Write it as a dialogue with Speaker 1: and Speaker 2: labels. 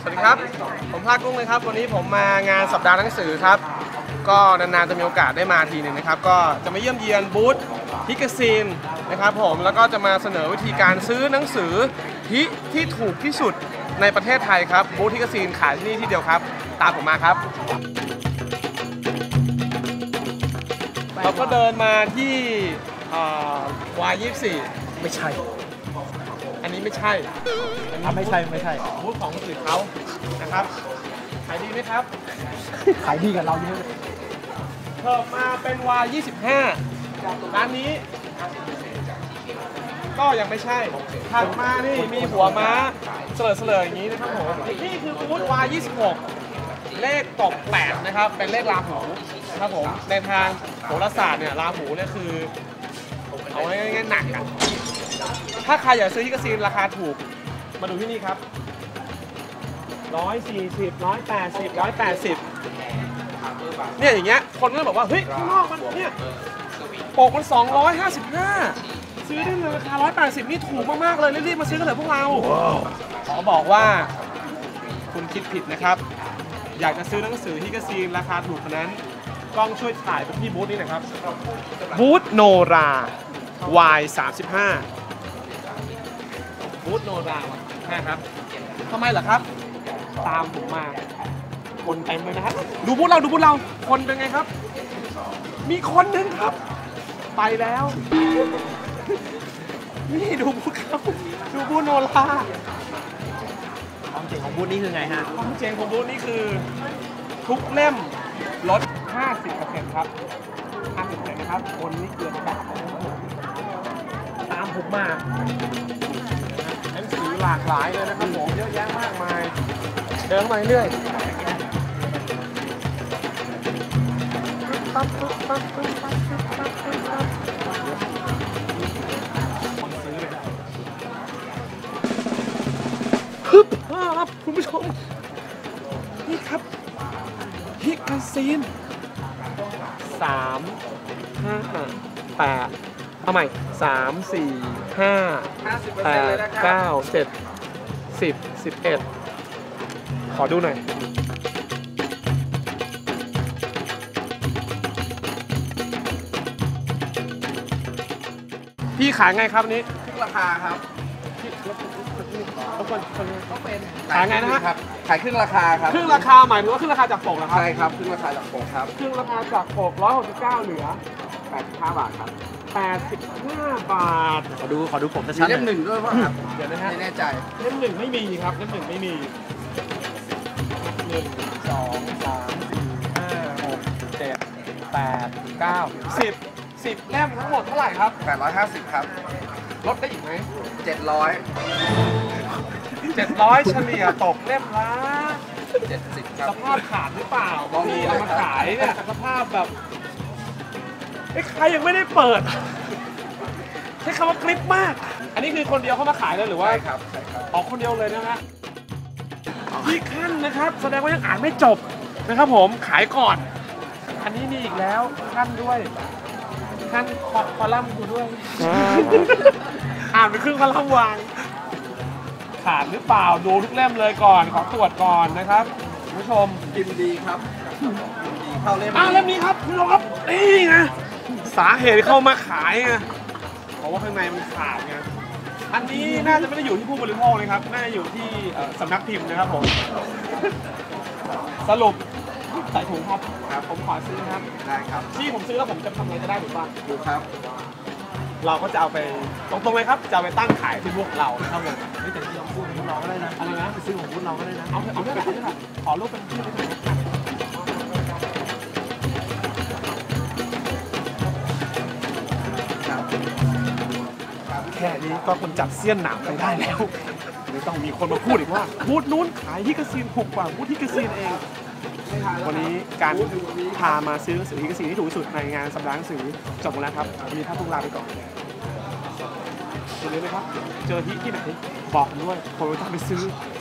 Speaker 1: สวัสดีครับผมภาคกุ้งเลยครับวันนี้ผมมางานสัปดาห์หนังสือครับก็นานๆจะมีโอกาสได้มาทีหนึ่งนะครับก็จะมาเยี่ยมเยียนบูธฮิกาซีนนะครับผมแล้วก็จะมาเสนอวิธีการซื้อหนังสือที่ถูกที่สุดในประเทศไทยครับบูธฮิกาซีนขายที่นี่ที่เดียวครับตามผมมาครับเราก็เดินมาที่Y24
Speaker 2: ไม่ใช่
Speaker 1: อันนี้ไม่ใช่
Speaker 2: ไม่ใช่
Speaker 1: บูธของคนอื่นเขานะครับขายดีไหมครับ
Speaker 2: ขายดีกับเราเยอะ
Speaker 1: เพิ่มมาเป็นY25ร้านนี้ก็ยังไม่ใช่ถัดมานี่มีหัวม้าเสลออย่างนี้นะครับผมนี่คือบูธY26เลขตบ8นะครับเป็นเลขราหูนะครับผมในทางโหราศาสตร์เนี่ยราหูเนี่ยคือเอาง่ายๆหนักอ่ะถ้าใครอยากซื้อฮิกาซีนราคาถูกมาดูที่นี่ครับ140 180 180เนี่ยอย่างเงี้ยคนก็บอกว่าเฮ้ยข้างนอกมันเนี่ยปกมัน255ซื้อได้เลยราคา180นี่ถูกมากๆเลยรีบๆมาซื้อกันเถอะพวกเราขอบอกว่าคุณคิดผิดนะครับอยากจะซื้อหนังสือฮิกาซีนราคาถูกขนาดนั้นกล้องช่วยถ่ายไปที่บูธนี้หน่อยครับบูธโนรา Y35 บูธโนราครับทำไมเหรอครับตามผมมาคนเต็มเลยนะครับดูบูธเราคนเป็นไงครับมีคนหนึ่งครับไปแล้วนี่ดูบูธเขาดูบูธโนรา
Speaker 2: ความเจ๋งของบูธนี้คือไงฮะ
Speaker 1: ความเจ๋งของบูธนี้คือทุกเล่มลด 50% ครับ 50% นะครับคนนี้เกินแบบตามผมมาหนังสือหลากหลายเลยนะครับผมเยอะแยะมากมายเดินมาเรื่อยครับคุณผู้ชมนี่ครับฮิกาซีน3 5 8เอาใหม่3 4 5 8 9 10 11ขอดูหน่อยพี่ขายไงครับนี้
Speaker 3: ทุกราคาครับ
Speaker 1: เขาเป็นขายไงนะฮะ
Speaker 3: ขายครึ่งราคาครับ
Speaker 1: ครึ่งราคาหมายถึงว่าครึ่งราคาจากปกเหรอครับ
Speaker 3: ใช่ครับครึ่งราคาจากปกครับ
Speaker 1: ครึ่งราคาจากปก169เหลือ
Speaker 3: 85 บาทครับ
Speaker 1: 85 บาท
Speaker 2: ขอดูผมชัดๆ
Speaker 3: เล่มหนึ่งด้วยป่ะครับ
Speaker 1: เดี๋ยวนะฮะ
Speaker 3: ไม่แน่ใจ
Speaker 1: เล่มหนึ่งไม่มีครับเล่มหนึ่งไม่มี1 2 3 4 5 6 7 8 9 10เล่มทั้งหมดเท่าไหร่ครับ
Speaker 3: 850ครับ
Speaker 1: ลดได้อีกไหม
Speaker 3: 700
Speaker 1: เฉลี่ยตกเล่มละ
Speaker 3: 70ครับ
Speaker 1: สภาพขาดหรือเปล่าบางทีเอามาขายเนี่ยสภาพแบบใครยังไม่ได้เปิดใช้คำว่ากริปมากอันนี้คือคนเดียวเข้ามาขายเลยหรือว่า
Speaker 3: ใช่ครับ
Speaker 1: ออกคนเดียวเลยนะฮะที่ขั้นนะครับแสดงว่ายังอ่านไม่จบนะครับผมขายก่อนอันนี้มีอีกแล้วขั้นด้วยขั้นคอลัมน์กูด้วยอ่านไปครึ่งคอลัมน์วางขาดหรือเปล่าดูทุกเล่มเลยก่อนขอตรวจก่อนนะครับคุณผู้ชม
Speaker 3: กินดีครับเข้าเล่ม
Speaker 1: เล่มนี้ครับคุณผู้ชมครับนี่ไงสาเหตุเข้ามาขายไงเพราะว่าข้างในมันขาดไงอันนี้น่าจะไม่ได้อยู่ที่ผู้บริโภคเลยครับน่าจะอยู่ที่สำนักพิมพ์นะครับผมสรุปใส่ถุงครับผมขอซื้อครับ
Speaker 3: ได้ครับ
Speaker 1: ที่ผมซื้อแล้วผมจะทำอะไรจะได้หรือเปล่า
Speaker 3: ดูครับ
Speaker 1: เราก็จะเอาไปตรงๆเลยครับจะเอาไปตั้งขายที่พวกเราเท่านั้น
Speaker 2: ไม่แต่ที่เราพูดของเราก็ได้นะ
Speaker 1: อะไรนะ
Speaker 2: ไปซื้อของพูดเราก็ได้นะ
Speaker 1: เอาได้ค่ะขอรูปเป็นที่ไปถ่ายแค่นี้ก็คนจับเสี้ยนหนามไปได้แล้วไม่ต้องมีคนมาพูดอีกว่าบูธนู้นขายฮิกาซีนถูกกว่าบูธฮิกาซีนเองวันนี้การพามาซื้อหนังสือฮิกาซีนที่ถูกที่สุดในงานสัปดาห์หนังสือจบแล้วครับวันนี้ท่านพวกลาไปก่อนอย่าลืมนะครับเจอที่ไหนบอกด้วยผมจะไปซื้อ